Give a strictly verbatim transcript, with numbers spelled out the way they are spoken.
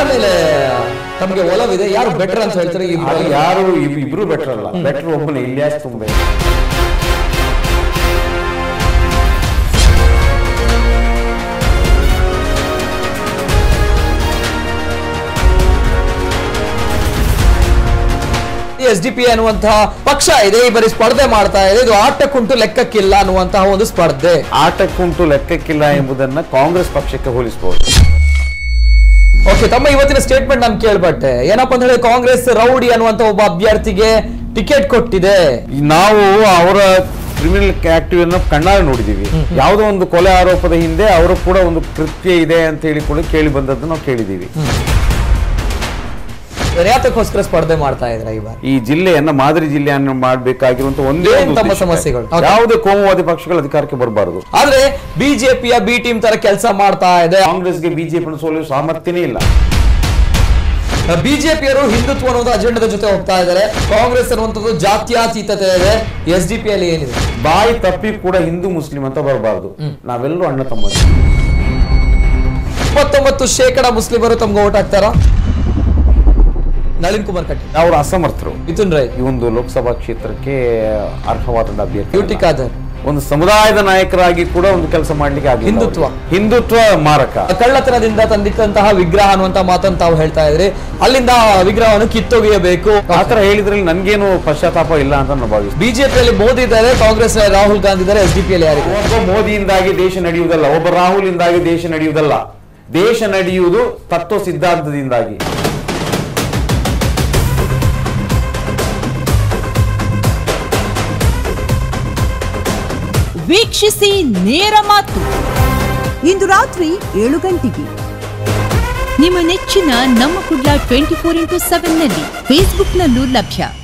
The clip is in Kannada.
ಮೇಲೆ ತಮಗೆ ಒಲವಿದೆ? ಯಾರು ಬೆಟರ್ ಅಂತ ಹೇಳ್ತಾರೆ? ಯಾರು ಇಬ್ರು ಬೆಟರ್ ಅಲ್ಲ, ಬೆಟರ್ ಒಬ್ಬನೇ Ilyas Thumbe. S D P ಅನ್ನುವಂತಹ ಪಕ್ಷ ಇದೆ, ಈ ಬಾರಿ ಸ್ಪರ್ಧೆ ಮಾಡ್ತಾ ಇದೆ. ಇದು ಆಟಕ್ಕುಂಟು ಲೆಕ್ಕಕ್ಕಿಲ್ಲ ಅನ್ನುವಂತಹ ಒಂದು ಸ್ಪರ್ಧೆ. ಆಟಕ್ಕುಂಟು ಲೆಕ್ಕಕ್ಕಿಲ್ಲ ಎಂಬುದನ್ನ ಕಾಂಗ್ರೆಸ್ ಪಕ್ಷಕ್ಕೆ ಹೋಲಿಸಬಹುದು. ಓಕೆ, ತಮ್ಮ ಇವತ್ತಿನ ಸ್ಟೇಟ್ಮೆಂಟ್ ನಾನು ಕೇಳ್ಬಟ್ಟೆ. ಏನಪ್ಪಾ ಅಂತ ಹೇಳಿ, ಕಾಂಗ್ರೆಸ್ ರೌಡಿ ಅನ್ನುವಂತ ಒಬ್ಬ ಅಭ್ಯರ್ಥಿಗೆ ಟಿಕೆಟ್ ಕೊಟ್ಟಿದೆ. ನಾವು ಅವರ ಕ್ರಿಮಿನಲ್ ಆಕ್ಟಿವ್ ಅನ್ನು ಕಣ್ಣಾರೆ ನೋಡಿದೀವಿ. ಯಾವುದೋ ಒಂದು ಕೊಲೆ ಆರೋಪದ ಹಿಂದೆ ಅವರು ಕೂಡ ಒಂದು ಕೃತ್ಯ ಇದೆ ಅಂತ ಹೇಳಿ ಕೂಡ ಕೇಳಿ ಬಂದದ್ದು ನಾವು ಕೇಳಿದೀವಿ. ಯಾತಕ್ಕೋಸ್ಕರ ಸ್ಪರ್ಧೆ ಮಾಡ್ತಾ ಇದ್ರೆ ಈ ಬಾರಿ? ಈ ಜಿಲ್ಲೆಯನ್ನ ಮಾದರಿ ಜಿಲ್ಲೆಯನ್ನು ಮಾಡಬೇಕಾಗಿರುವಂತ ಒಂದೇ ತಮ್ಮ ಸಮಸ್ಯೆಗಳು, ಯಾವುದೇ ಕೋಮುವಾದಿ ಪಕ್ಷಗಳು ಅಧಿಕಾರಕ್ಕೆ ಬರಬಾರದು. ಆದ್ರೆ ಬಿಜೆಪಿಯ ಬಿ ಟೀಮ್ ತರ ಕೆಲಸ ಮಾಡ್ತಾ ಇದೆ. ಕಾಂಗ್ರೆಸ್ಗೆ ಬಿಜೆಪಿ ಸೋಲಿಸುವ ಸಾಮರ್ಥ್ಯನೇ ಇಲ್ಲ. ಬಿಜೆಪಿಯರು ಹಿಂದುತ್ವ ಅನ್ನೋದು ಅಜೆಂಡದ ಜೊತೆ ಹೋಗ್ತಾ ಇದ್ದಾರೆ. ಕಾಂಗ್ರೆಸ್ ಅನ್ನುವಂಥದ್ದು ಜಾತ್ಯಾತೀತತೆ ಇದೆ. ಎಸ್ ಡಿ ಪಿ ಅಲ್ಲಿ ಏನಿದೆ? ಬಾಯಿ ತಪ್ಪಿ ಕೂಡ ಹಿಂದೂ ಮುಸ್ಲಿಂ ಅಂತ ಬರಬಾರದು. ನಾವೆಲ್ಲರೂ ಅಣ್ಣ ತಮ್ಮ. ಇಪ್ಪತ್ತೊಂಬತ್ತು ಶೇಕಡ ಮುಸ್ಲಿಮರು ತಮ್ಗೆ ಓಟ್ ಹಾಕ್ತಾರ. ನಳಿನ್ ಕುಮಾರ್ ಕಟೀಲ್ ಅವರು ಅಸಮರ್ಥರು. ಮಿಥುನ್ ರೈ ಈ ಒಂದು ಲೋಕಸಭಾ ಕ್ಷೇತ್ರಕ್ಕೆ ಅರ್ಹವಾದ ಅಭ್ಯರ್ಥಿ. ಬ್ಯೂಟಿ ಖಾದರ್ ಒಂದು ಸಮುದಾಯದ ನಾಯಕರಾಗಿ ಕೂಡ ಒಂದು ಕೆಲಸ ಮಾಡ್ಲಿಕ್ಕೆ ಆಗಲಿಲ್ಲ. ಹಿಂದುತ್ವ ಹಿಂದುತ್ವ ಮಾರಕ. ಕಳ್ಳತನದಿಂದ ತಂದಿಟ್ಟಂತಹ ವಿಗ್ರಹ ಅನ್ನುವಂತ ಮಾತನ್ನು ತಾವು ಹೇಳ್ತಾ ಇದ್ರಿ. ಅಲ್ಲಿಂದ ವಿಗ್ರಹವನ್ನು ಕಿತ್ತೊಗೆಯಬೇಕು ಆತರ ಹೇಳಿದ್ರಲ್ಲಿ ನನ್ಗೇನು ಪಶ್ಚಾತ್ತಾಪ ಇಲ್ಲ ಅಂತ ನಾನು ಭಾವಿಸ್ತೀನಿ. ಬಿಜೆಪಿಯಲ್ಲಿ ಮೋದಿ ಇದ್ದಾರೆ, ಕಾಂಗ್ರೆಸ್ ರಾಹುಲ್ ಗಾಂಧಿ ಇದ್ದಾರೆ, ಎಸ್ ಡಿ ಪಿ ಯಲ್ಲಿ ಯಾರಿಗೆ? ಒಬ್ಬ ಮೋದಿಯಿಂದಾಗಿ ದೇಶ ನಡೆಯುವುದಲ್ಲ, ಒಬ್ಬ ರಾಹುಲ್ ಇಂದಾಗಿ ದೇಶ ನಡೆಯುವುದಲ್ಲ. ದೇಶ ನಡೆಯುವುದು ತತ್ವ ಸಿದ್ಧಾಂತದಿಂದಾಗಿ. ವೀಕ್ಷಿಸಿ ನೇರ ಮಾತು ಇಂದು ರಾತ್ರಿ ಏಳು ಗಂಟೆಗೆ ನಿಮ್ಮ ನೆಚ್ಚಿನ ನಮ್ಮ Kudla twenty four into seven ನಲ್ಲಿ ಫೇಸ್ಬುಕ್ನಲ್ಲೂ ಲಭ್ಯ.